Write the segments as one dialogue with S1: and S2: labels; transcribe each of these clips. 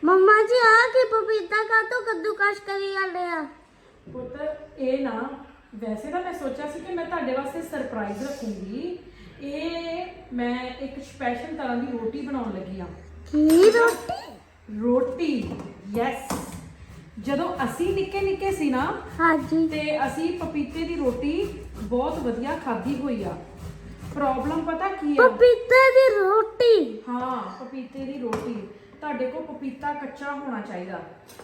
S1: मम्मा जी आ के पपीता का तो कद्दूकस करी जाने आ
S2: ਪੁੱਤ ਇਹ ਨਾ ਵੈਸੇ ਤਾਂ ਮੈਂ ਸੋਚਿਆ ਸੀ ਕਿ ਮੈਂ ਤੁਹਾਡੇ ਵਾਸਤੇ ਸਰਪ੍ਰਾਈਜ਼ ਰੱਖੂੰਗੀ। ਇਹ ਮੈਂ ਇੱਕ ਸਪੈਸ਼ਲ ਤਰ੍ਹਾਂ ਦੀ ਰੋਟੀ ਬਣਾਉਣ ਲੱਗੀ ਆ।
S1: की रोटी
S2: ਰੋਟੀ ਯੈਸ। ਜਦੋਂ ਅਸੀਂ ਨਿੱਕੇ ਨਿੱਕੇ ਸੀ ਨਾ
S1: हाँ जी
S2: ਤੇ ਅਸੀਂ ਪਪੀਤੇ ਦੀ ਰੋਟੀ ਬਹੁਤ ਵਧੀਆ ਖਾਧੀ ਹੋਈ ਆ। ਪ੍ਰੋਬਲਮ ਪਤਾ ਕੀ ਆ?
S1: पपीते की रोटी
S2: ਹਾਂ ਪਪੀਤੇ ਦੀ ਰੋਟੀ। ਤੁਹਾਡੇ ਕੋਲ ਪਪੀਤਾ ਕੱਚਾ ਹੋਣਾ ਚਾਹੀਦਾ।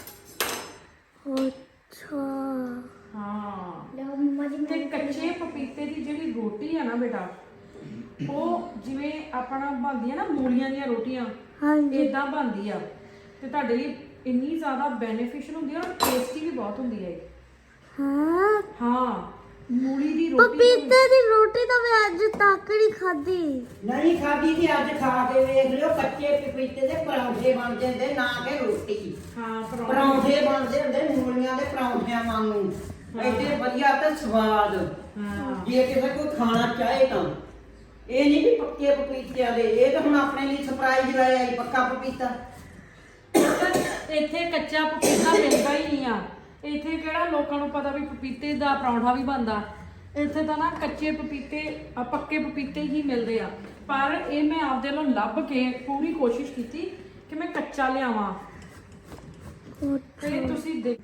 S1: अच्छा
S2: ਹਾਂ
S1: लो मम्मा जी
S2: ਤੇ ਕੱਚੇ ਪਪੀਤੇ ਦੀ ਜਿਹੜੀ ਰੋਟੀ ਆ ਨਾ ਬੇਟਾ, ਉਹ ਜਿਵੇਂ ਆਪਣਾ ਬਣਦੀਆਂ ਨਾ ਮੂਲੀਆਂ ਦੀਆਂ ਰੋਟੀਆਂ
S1: हाँ जी
S2: ਇਦਾਂ ਬਣਦੀ ਆ। ਤੇ ਤੁਹਾਡੇ ਲਈ ਇੰਨੀ ਜ਼ਿਆਦਾ ਬੈਨੀਫੀਸ਼ੀਅਲ ਹੁੰਦੀ ਆ ਔਰ ਟੇਸਟੀ ਵੀ ਬਹੁਤ ਹੁੰਦੀ ਹੈ।
S1: हाँ
S2: ਹਾਂ ਮੂਲੀ ਦੀ ਰੋਟੀ
S1: पपीते की रोटी तो मैं आज तक नहीं खाधी
S3: ਨਹੀਂ ਖਾਦੀ ਤੇ ਅੱਜ ਖਾ ਕੇ ਵੇਖ ਲਿਓ ਕੱਚੇ ਪਪੀਤੇ ਦੇ ਪਰੌਂਠੇ ਬਣ ਜਾਂਦੇ ਨਾ ਕਿ ਰੋਟੀ।
S2: ਹਾਂ
S3: ਪਰੌਂਠੇ ਬਣਦੇ ਹੁੰਦੇ ਮੂਲੀਆਂ ਦੇ ਪਰੌਂਠਿਆਂ ਵਾਂਗੂ ਐਡੇ ਵਧੀਆ ਤੇ ਸਵਾਦ।
S2: ਹਾਂ
S3: ਜੇ ਕਿਸੇ ਕੋਈ ਖਾਣਾ ਚਾਹੇ ਤਾਂ ਇਹ ਨਹੀਂ ਵੀ ਪੱਕੇ ਪਪੀਤਿਆਂ ਦੇ, ਇਹ ਤਾਂ ਹੁਣ ਆਪਣੇ ਲਈ ਸਰਪ੍ਰਾਈਜ਼ ਲਾਇਆ ਹੀ ਪੱਕਾ ਪਪੀਤਾ।
S2: ਇੱਥੇ ਕੱਚਾ ਪਪੀਤਾ ਮਿਲਦਾ ਹੀ ਨਹੀਂ ਆ। ਇੱਥੇ ਕਿਹੜਾ ਲੋਕਾਂ ਨੂੰ ਪਤਾ ਵੀ ਪਪੀਤੇ ਦਾ ਪਰੌਂਠਾ ਵੀ ਬਣਦਾ। ਇੱਥੇ ਤਾਂ ਨਾ ਕੱਚੇ ਪਪੀਤੇ ਪੱਕੇ ਪਪੀਤੇ ਹੀ ਮਿਲਦੇ ਆ। ਪਰ ਇਹ ਮੈਂ ਆਪਦੇ ਵੱਲੋਂ ਲੱਭ ਕੇ ਪੂਰੀ ਕੋਸ਼ਿਸ਼ ਕੀਤੀ ਕਿ ਮੈਂ ਕੱਚਾ ਲਿਆਵਾਂ। ਤੇ ਤੁਸੀਂ ਦੇਖ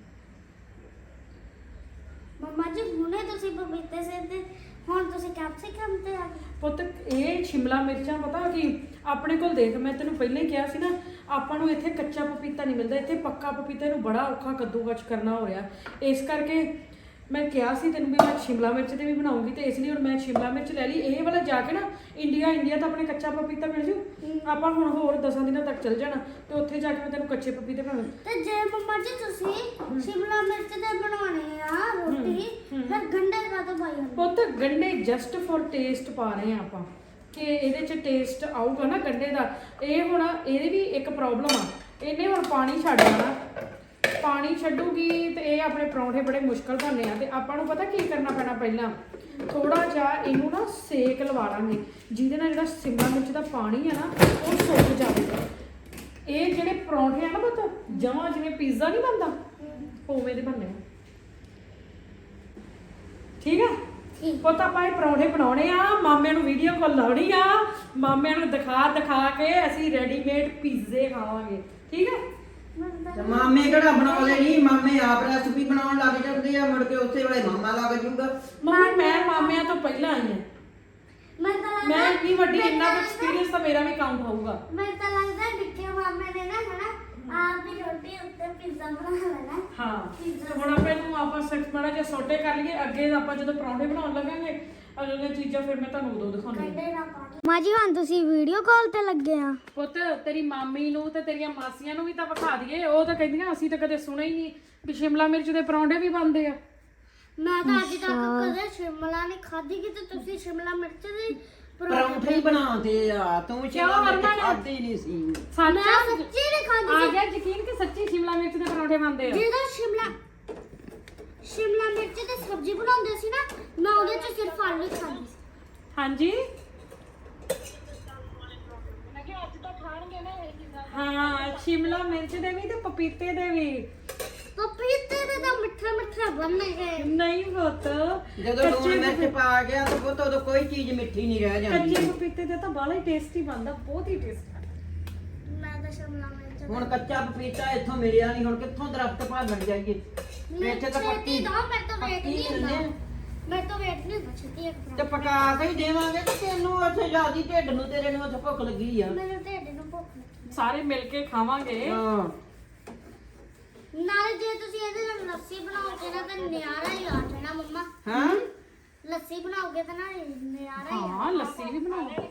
S1: मम्मा जी हुने तुसी पपीते से ते हुन तुसी कैप्सिकम ते आ गए
S2: ਪੁੱਤ ਇਹ ਸ਼ਿਮਲਾ ਮਿਰਚਾਂ ਪਤਾ ਕਿ ਆਪਣੇ ਕੋਲ ਦੇਖ, ਮੈਂ ਤੈਨੂੰ ਪਹਿਲਾਂ ਹੀ ਕਿਹਾ ਸੀ ਨਾ ਆਪਾਂ ਨੂੰ ਇੱਥੇ ਕੱਚਾ ਪਪੀਤਾ ਨਹੀਂ ਮਿਲਦਾ। ਇੱਥੇ ਪੱਕਾ ਪਪੀਤਾ ਨੂੰ ਬੜਾ ਔਖਾ ਕੱਦੂਕਸ ਕਰਨਾ ਹੋ ਰਿਹਾ। ਇਸ ਕਰਕੇ ਮੈਂ ਕਿਹਾ ਸੀ ਤੈਨੂੰ ਵੀ ਮੈਂ ਸ਼ਿਮਲਾ ਮਿਰਚ ਤੇ ਵੀ ਬਣਾਉਂਗੀ, ਤੇ ਇਸ ਲਈ ਹੁਣ ਮੈਂ ਸ਼ਿਮਲਾ ਮਿਰਚ ਲੈ ਲਈ। ਇਹ ਵਾਲਾ ਜਾ ਕੇ ਨਾ ਇੰਡੀਆ ਤਾਂ ਆਪਣੇ ਕੱਚਾ ਪਪੀਤਾ ਮਿਲ ਜੂ। ਆਪਾਂ ਹੁਣ ਹੋਰ 10 ਦਿਨਾਂ ਤੱਕ ਚੱਲ ਜਾਣਾ ਤੇ ਉੱਥੇ ਜਾ ਕੇ ਮੈਂ ਤੈਨੂੰ ਕੱਚੇ ਪਪੀਤੇ ਬਣਾਉਂ।
S1: ਤੇ ਜੇ ਮम्मा जी तुसी शिमला मिर्च ते बनाने आ रोटी फिर गंढे का तो भाई
S2: ਪੁੱਤ ਗੰਢੇ ਜਸਟ ਫॉर ਟੇਸਟ ਪਾ ਰਹੇ ਆ ਆਪਾਂ ਕਿ ਇਹਦੇ ਚ ਟੇਸਟ ਆਊਗਾ ਨਾ ਗੰਢੇ ਦਾ। ਇਹ ਹੁਣ ਇਹਦੀ ਵੀ ਇੱਕ ਪ੍ਰੋਬਲਮ ਆ, ਇਹਨੇ ਹੁਣ ਪਾਣੀ ਛੱਡ ਦੇਣਾ। ਪਾਣੀ ਛੱਡੂਗੀ ਤੇ ਇਹ ਆਪਣੇ ਪਰੌਂਠੇ ਬੜੇ ਮੁਸ਼ਕਲ ਬਣਨੇ ਆ। ਤੇ ਆਪਾਂ ਨੂੰ ਪਤਾ ਕੀ ਕਰਨਾ ਪੈਣਾ, ਪਹਿਲਾਂ ਥੋੜਾ ਜਿਹਾ ਇਹਨੂੰ ਨਾ ਸੇਕ ਲਵਾ ਲਾਂਗੇ ਜਿਹਦੇ ਨਾਲ ਜਿਹੜਾ ਸ਼ਿਮਲਾ ਮਿਰਚ ਦਾ ਪਾਣੀ ਆ ਨਾ ਉਹ ਸੁੱਕ ਜਾਵੇਗਾ। ਇਹ ਜਿਹੜੇ ਪਰੌਂਠੇ ਆ ਨਾ ਪੁੱਤ ਜਮਾਂ ਜਿਵੇਂ ਪੀਜ਼ਾ ਨਹੀਂ ਬਣਦਾ ਉਵੇਂ ਦੇ ਬਣਨੇ ਆ। ਠੀਕ ਆ ਪੁੱਤ ਆਪਾਂ ਇਹ ਪਰੌਂਠੇ ਬਣਾਉਣੇ ਆ, ਮਾਮਿਆਂ ਨੂੰ ਵੀਡੀਓ ਕਾਲ ਲਾਉਣੀ ਆ, ਮਾਮਿਆਂ ਨੂੰ ਦਿਖਾ ਕੇ ਅਸੀਂ ਰੈਡੀਮੇਡ ਪੀਜ਼ੇ ਖਾਵਾਂਗੇ। ਠੀਕ ਹੈ
S3: ਤੇ ਮਾਮੇ ਕਿਹੜਾ ਬਣਾਉਂਦੇ ਨਹੀਂ, ਮਾਮੇ ਆਪ ਰੈਸਪੀ ਬਣਾਉਣ ਲੱਗ ਜਾਂਦੇ ਆ, ਮੁੜ ਕੇ ਉਸੇ ਵੇਲੇ ਮਾਮਾ ਲੱਗ ਜੂਗਾ।
S2: ਮੰਮੀ ਮੈਂ ਮਾਮਿਆਂ ਤੋਂ ਪਹਿਲਾਂ ਆਈ ਹਾਂ। ਮੈਂ ਇੰਨੀ ਵੱਡੀ ਇੰਨਾ ਐਕਸਪੀਰੀਅੰਸ ਤਾਂ ਮੇਰਾ ਵੀ ਕਾਊਂਟ ਹੋਊਗਾ।
S1: मैं तो लगता है निक्के मामे ने ना है ना आप भी रोटी उत्ते पिज्जा बना लेना
S2: ਹਾਂ ਤੇ ਹੁਣ ਆਪਾਂ ਨੂੰ ਆਪਾਂ ਸਖਤ ਮਾੜਾ ਜਿਹਾ ਸੋਟੇ ਕਰ ਲਈਏ। ਅੱਗੇ ਆਪਾਂ ਜਦੋਂ ਪਰੌਂਠੇ ਬਣਾਉਣ ਲੱਗਾਂਗੇ ਅਗਲੀਆਂ ਚੀਜ਼ਾਂ ਫਿਰ ਮੈਂ ਤੁਹਾਨੂੰ ਉਦੋਂ ਦਿਖਾਉਣੀ।
S1: गंढे ना पानी माँ जी हुन तुसी वीडियो कॉल ते लगे आ
S2: ਪੁੱਤ ਤੇਰੀ ਮਾਮੀ ਨੂੰ ਤੇ ਤੇਰੀਆਂ ਮਾਸੀਆਂ ਨੂੰ ਵੀ ਤਾਂ ਵਿਖਾ ਦਈਏ। ਉਹ ਤਾਂ ਕਹਿੰਦੀਆਂ ਅਸੀਂ ਤਾਂ ਕਦੇ ਸੁਣਿਆ ਹੀ ਨਹੀਂ ਵੀ ਸ਼ਿਮਲਾ ਮਿਰਚ ਦੇ ਪਰੌਂਠੇ ਵੀ ਬਣਦੇ ਆ।
S1: मैं तो आज तक कदे शिमला नहीं खाधी कि तो तुसी शिमला मिर्च दी
S3: ਪਰੌਂਠੇ ਹੀ ਬਣਾਉਂਦੇ ਆ, ਤੂੰ ਸ਼ਿਮਲਾ ਮਿਰਚ ਖਾਦੀ ਨਹੀਂ ਸੀ।
S1: मैं सच्ची नहीं खाधी
S2: ਆ ਗਿਆ ਯਕੀਨ ਕਿ ਸੱਚੀ ਸ਼ਿਮਲਾ ਮਿਰਚ ਦੇ ਪਰੌਂਠੇ ਬਣਦੇ ਆ।
S1: ਜਦੋਂ शिमला मिर्च ਦੀ ਸਬਜ਼ੀ ਬਣਾਉਂਦੇ ਸੀ ਨਾ ਮੈਂ ਉਹਦੇ ਚ ਸਿਰਫ ਆਲੂ ਖਾਂਦੀ ਸੀ।
S2: ਹਾਂਜੀ ਹਾਂ ਸ਼ਿਮਲਾ ਮਿਰਚ ਦੇ ਵੀ ਤੇ ਪਪੀਤੇ ਦੇ ਵੀ।
S1: ਪਪੀਤੇ ਦੇ ਤਾਂ ਮਿੱਠਾ ਮਿੱਠਾ ਬਣਨਗੇ
S2: ਨਹੀਂ ਪੁੱਤ
S3: ਜਦੋਂ ਲੂਣ ਮਿਰਚ ਪਾ ਗਿਆ ਤਾਂ ਪੁੱਤ ਉਦੋਂ ਕੋਈ ਚੀਜ਼ ਮਿੱਠੀ ਨਹੀਂ ਰਹਿ ਜਾਂਦੀ।
S2: ਕੱਚੇ ਪਪੀਤੇ ਦੇ ਤਾਂ ਬਾਲਾ ਹੀ ਟੇਸਟੀ ਬਣਦਾ, ਬਹੁਤ ਹੀ ਟੇਸਟੀ।
S1: ਮੈਂ ਤਾਂ ਸ਼ਿਮਲਾ ਮਿਰਚ
S3: ਹੁਣ ਕੱਚਾ ਪਪੀਤਾ ਇੱਥੋਂ ਮਿਲਿਆ ਨਹੀਂ, ਹੁਣ ਕਿੱਥੋਂ ਦਰਖਤ ਭਾਲਣ ਜਾਈਏ? ਇੱਥੇ ਤਾਂ ਪੱਕੀ
S1: ਦਾ ਮੈਂ ਤਾਂ ਵੇਟ
S3: ਪੱਕੀ
S1: ਨਹੀਂ ਹੁੰਦਾ
S3: ਦਿੰਦੇ ਆ।
S1: ਮੈਂ ਤਾਂ ਵੇਟ ਨਹੀਂ ਹੁੰਦਾ ਛੇਤੀ ਇੱਕ
S3: ਤੇ ਪਕਾ ਕੇ ਹੀ ਦੇਵਾਂਗੇ ਤੇ ਤੈਨੂੰ ਉੱਥੇ ਜਿਆਦੀ ਢਿੱਡ ਨੂੰ ਤੇਰੇ ਨੂੰ ਉੱਥੇ ਭੁੱਖ ਲੱਗੀ ਆ।
S1: ਮੇਰੇ ਢਿੱਡ ਨੂੰ ਭੁੱਖ ਲੱਗੀ
S2: ਸਾਰੇ ਮਿਲ ਕੇ ਖਾਵਾਂਗੇ।
S3: ਹਾਂ
S1: ਨਾਲੇ ਜੇ ਤੁਸੀਂ ਇਹਦੇ ਨਾਲ ਲੱਸੀ ਬਣਾਓਗੇ ਨਾ ਤਾਂ ਨਿਆਰਾ ਹੀ ਆ ਜਾਣਾ ਮੰਮਾ।
S3: ਹਾਂ
S1: ਲੱਸੀ ਬਣਾਓਗੇ ਤਾਂ ਨਾ ਨਿਆਰਾ ਹੀ
S2: ਹਾਂ ਲੱਸੀ ਵੀ ਬਣਾਓ।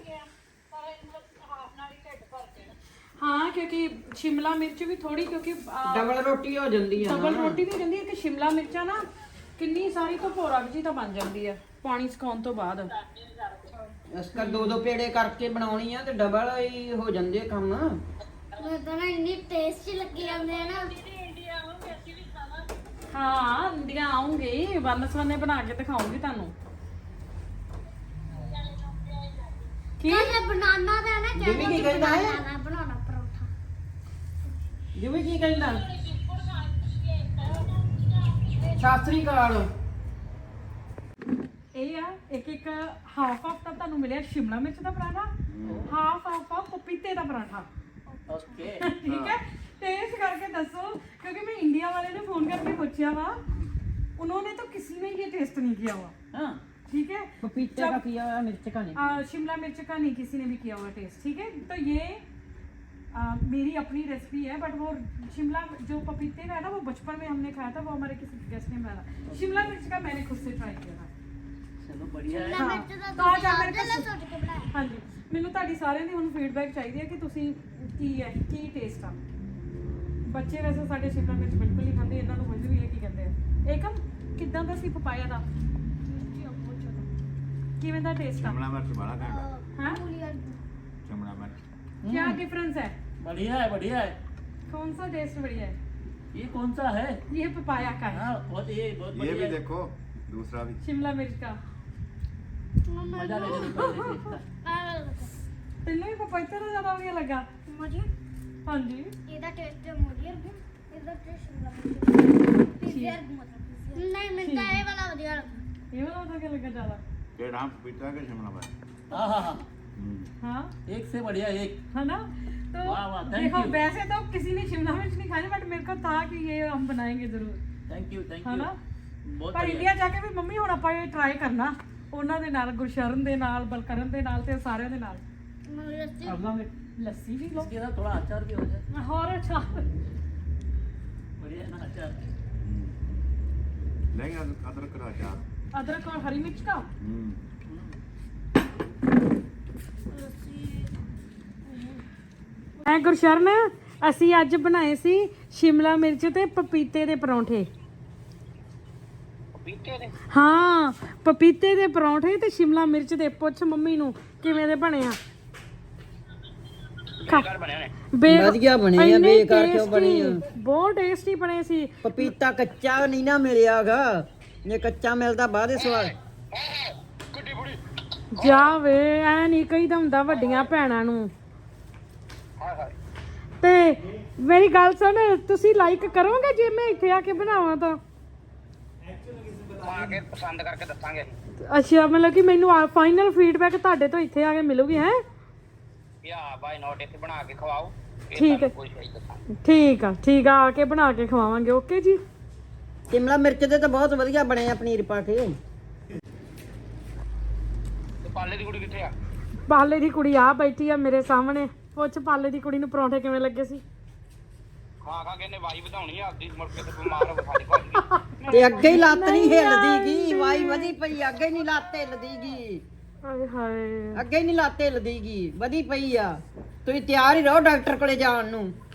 S2: ਹਾਂ ਕਿਉਂਕਿ ਸ਼ਿਮਲਾ ਮਿਰਚ ਵੀ ਥੋੜੀ ਕਿਉਂਕਿ
S3: ਡਬਲ ਰੋਟੀ ਹੋ ਜਾਂਦੀ ਆ
S2: ਡਬਲ ਰੋਟੀ ਵੀ ਜਾਂਦੀ ਹੈ ਤੇ ਸ਼ਿਮਲਾ ਮਿਰਚਾਂ ਨਾ ਕਿੰਨੀ ਸਾਰੀ ਤੋਂ ਭੋਰਕ ਜੀ ਤਾਂ ਬਣ ਜਾਂਦੀ ਆ ਪਾਣੀ ਸੁਕਾਉਣ ਤੋਂ ਬਾਅਦ।
S3: ਇਸ ਕਰ ਦੋ ਪੇੜੇ ਕਰਕੇ ਬਣਾਉਣੀ ਆ ਤੇ ਡਬਲ ਹੀ ਹੋ ਜਾਂਦੇ ਕੰਮ।
S1: ਮੈਂ ਤਾਂ ਨਾ ਇੰਨੀ ਟੇਸਟੀ ਲੱਗੀ ਜਾਂਦੇ ਆ ਨਾ।
S2: ਹਾਂ ਇੰਡੀਆ ਆਉਂਗੇ ਵੰਨ ਸਵੰਨੇ ਬਣਾ ਕੇ ਦਿਖਾਉਂਗੀ ਤੁਹਾਨੂੰ। ਕੀ
S1: ਕਹਿੰਦੇ ਬਨਾਨਾ ਦਾ ਨਾ
S3: ਜਿਵੇਂ ਕੀ ਕਹਿੰਦਾ ਹੈ?
S1: ਬਣਾਉਣਾ ਪਰੌਂਠਾ
S3: ਜਿਵੇਂ ਕੀ ਕਹਿੰਦਾ ਸ਼ਾਸਤਰੀ ਕਾਲ
S2: ਇਹ ਆ ਇੱਕ ਹਾਫ ਤਾਂ ਤੁਹਾਨੂੰ ਮਿਲਿਆ ਸ਼ਿਮਲਾ ਮਿਰਚ ਦਾ ਪਰਾਠਾ, ਹਾਫ ਪਪੀਤੇ ਦਾ ਪਰਾਠਾ।
S4: ओके
S2: ठीक है, टेस्ट करके दसो, क्योंकि मैं इंडिया वाले ने फोन करके पूछा हुआ, उन्होंने तो किसी ने ये टेस्ट नहीं किया हुआ।
S3: हाँ
S2: ठीक है,
S3: पपीते का किया हुआ, मिर्च का नहीं।
S2: शिमला मिर्च का नहीं किसी ने भी किया हुआ टेस्ट। ठीक है, तो ये मेरी अपनी रेसिपी है, बट वो शिमला जो पपीते का है ना वो बचपन में हमने खाया था, वो हमारे किसी गेस्ट ने बनाया। शिमला मिर्च का मैंने खुद से ट्राई किया था।
S4: चलो बढ़िया है।
S1: शिमला मिर्च ਦਾ
S2: ਤਾਂ ਜਾ ਮੇਰੇ
S1: ਤੁਸੀਂ
S2: ਕੋਲ
S1: ਸੋਚ ਕੇ ਬਣਾਇਆ।
S2: ਹਾਂਜੀ, ਮੈਨੂੰ ਤੁਹਾਡੀ ਸਾਰਿਆਂ ਦੀ ਹੁਣ ਫੀਡਬੈਕ ਚਾਹੀਦੀ ਹੈ ਕਿ ਤੁਸੀਂ ਕੀ ਟੇਸਟ ਆ। ਬੱਚੇ ਵੈਸੇ ਸਾਡੇ ਸ਼ਿਮਲਾ ਮਿਰਚ ਬਿਲਕੁਲ ਨਹੀਂ ਖਾਂਦੇ, ਇਹਨਾਂ ਨੂੰ ਸਮਝ ਵੀ ਹੈ ਕੀ ਕਹਿੰਦੇ ਆ। ਏਕਮ ਕਿੱਦਾਂ ਦਾ ਸੀ ਪਪਾਇਆ ਦਾ? ਕਿਵੇਂ ਦਾ ਟੇਸਟ ਆ?
S5: शिमला मिर्च बड़ा घंटा
S2: हाँ?
S5: शिमला मिर्च
S2: क्या डिफरेंस है?
S4: बढ़िया है।
S2: कौन सा टेस्ट बढ़िया है?
S4: ये कौन सा है?
S2: ये पपाया का है,
S4: हाँ बहुत
S5: ये
S4: बढ़िया
S5: भी
S4: है।
S5: देखो दूसरा भी
S2: शिमला मिर्च का।
S4: मजा लेने में पहले देखता।
S2: ਤੈਨੂੰ ਵੀ ਪਪਾਇਆ ਦਾ ਜ਼ਿਆਦਾ ਵਧੀਆ ਲੱਗਾ?
S1: ਮੁਝੇ
S2: ਹਾਂਜੀ,
S1: ਇਹਦਾ ਟੇਸਟ ਮੁਝੇ ਇਹਦਾ ਟੇਸਟ ਸ਼ਿਮਲਾ ਮਿਰਚ ਪੀਜ਼ਾ ਮਤਲਬ ਨਹੀਂ ਮੈਨੂੰ ਤਾਂ ਇਹ ਵਾਲਾ ਵਧੀਆ ਲੱਗਾ।
S2: ਇਹ ਵਾਲਾ ਵਧੀਆ ਲੱਗਾ ਜ਼ਿਆਦਾ?
S5: ये नाम पपीता के शिमला मिर्च
S4: हाँ हाँ हाँ
S2: हाँ,
S4: एक से बढ़िया एक।
S2: है ना? तो
S4: वाह, वाह, thank
S2: देखो
S4: you.
S2: वैसे तो किसी ने शिमला मिर्च नहीं खाई, बट मेरे को था कि ये हम बनाएंगे जरूर,
S4: थैंक यू
S2: है ना?
S4: बहुत
S2: पर
S4: बढ़िया।
S2: ਇੰਡੀਆ ਜਾ ਕੇ ਵੀ ਮੰਮੀ ਹੁਣ ਆਪਾਂ ਇਹ ਟਰਾਈ ਕਰਨਾ, ਉਹਨਾਂ ਦੇ ਨਾਲ, ਗੁਰਸ਼ਰਨ ਦੇ ਨਾਲ, ਬਲਕਰਨ ਦੇ ਨਾਲ ਤੇ ਸਾਰਿਆਂ ਦੇ ਨਾਲ
S1: ਮੈਨੂੰ ਲੱਸੀ
S2: ਕਰ ਲਾਂਗੇ। ਲੱਸੀ ਵੀ ਲਓ
S4: इसके साथ थोड़ा अचार भी हो जाए।
S2: ਹੋਰ ਅੱਛਾ।
S4: बढ़िया है ना अचार।
S5: लेंगे अदरक का अचार
S2: अदरक और हरी मिर्च का। ਗੁਰਸ਼ਰਨ, ਅਸੀਂ ਅੱਜ ਬਣਾਏ ਸੀ ਸ਼ਿਮਲਾ ਮਿਰਚ ਤੇ ਪਪੀਤੇ ਦੇ ਪਰੌਂਠੇ।
S4: पपीते ने
S2: ਹਾਂ, ਪਪੀਤੇ ਦੇ ਪਰੌਂਠੇ ਤੇ ਸ਼ਿਮਲਾ ਮਿਰਚ ਦੇ। ਪੁੱਛ ਮੰਮੀ ਨੂੰ ਕਿਵੇਂ ਦੇ ਬਣੇ ਆ।
S4: बेकार बने ने।
S3: ਵਧੀਆ ਬਣੇ ਆ,
S2: ਇੰਨੇ
S3: ਬੇਕਾਰ ਕਿਉਂ ਬਣੇ ਆ?
S2: tasty, ਬਹੁਤ ਟੇਸਟੀ ਬਣੇ ਸੀ।
S3: ਪਪੀਤਾ ਕੱਚਾ ਨਹੀਂ ਨਾ ਮਿਲਿਆਗਾ, ਜੇ ਕੱਚਾ ਮਿਲਦਾ ਬਾਅਦ ਸਵਾਦ।
S2: ਜਾਵੇ ਐ ਨਹੀਂ ਕਹੀਦਾ ਹੁੰਦਾ ਵੱਡੀਆਂ ਭੈਣਾਂ ਨੂੰ। ਤੇ ਮੇਰੀ ਗੱਲ ਸੁਣ, ਤੁਸੀਂ ਲਾਈਕ ਕਰੋਗੇ ਜੇ ਮੈਂ ਇੱਥੇ ਆ ਕੇ ਬਣਾਵਾਂ ਤਾਂ?
S6: ਆ ਕੇ ਪਸੰਦ ਕਰਕੇ ਦੱਸਾਂਗੇ।
S2: ਅੱਛਾ, ਮਤਲਬ ਕਿ ਮੈਨੂੰ ਫਾਈਨਲ ਫੀਡਬੈਕ ਤੁਹਾਡੇ ਤੋਂ ਇੱਥੇ ਆ ਕੇ ਮਿਲੂਗੀ ਹੈ?
S6: ਯਾ ਬਾਈ ਨੋਟ ਇੱਥੇ ਬਣਾ ਕੇ ਖਵਾਓ।
S2: ਠੀਕ ਹੈ,
S6: ਕੋਈ ਸਹੀ ਦੱਸਾਂਗੇ।
S2: ਠੀਕ ਆ, ਆ ਕੇ ਬਣਾ ਕੇ ਖਵਾਵਾਂਗੇ। ਓਕੇ ਜੀ।
S3: ਸ਼ਿਮਲਾ ਮਿਰਚ ਦੇ ਤਾਂ ਬਹੁਤ ਵਧੀਆ ਬਣੇ ਆ ਪਨੀਰ ਪਾ ਕੇ।
S6: ਤੇ ਪਾਲੇ ਦੀ ਕੁੜੀ ਕਿੱਥੇ ਆ?
S2: ਪਾਲੇ ਦੀ ਕੁੜੀ ਆ ਬੈਠੀ ਆ ਮੇਰੇ ਸਾਹਮਣੇ। ਪੁੱਛ ਪਾਲੇ ਦੀ ਕੁੜੀ ਨੂੰ ਪਰੌਂਠੇ ਕਿਵੇਂ ਲੱਗੇ ਸੀ?
S6: ਖਾ ਕੇ ਇਹਨੇ ਵਾਈ ਵਧਾਉਣੀ ਆ ਆਪਦੀ, ਮੁੜ ਕੇ ਤੇ ਬਿਮਾਰ ਹੋ ਖਾਲੀ ਪਾ
S3: ਤੇ ਅੱਗੇ ਹੀ ਲੱਤ ਨਹੀਂ ਹਿੱਲਦੀਗੀ, ਵਾਈ ਵਧੀ ਪਈ, ਅੱਗੇ ਨਹੀਂ ਲੱਤ ਹਿੱਲਦੀਗੀ,
S2: ਹਾਏ ਹਾਏ,
S3: ਅੱਗੇ ਨਹੀਂ ਲੱਤ ਹਿੱਲਦੀਗੀ, ਵਧੀ ਪਈ ਆ। ਤੁਸੀਂ ਤਿਆਰ ਹੀ ਰਹੋ ਡਾਕਟਰ ਕੋਲੇ ਜਾਣ ਨੂੰ।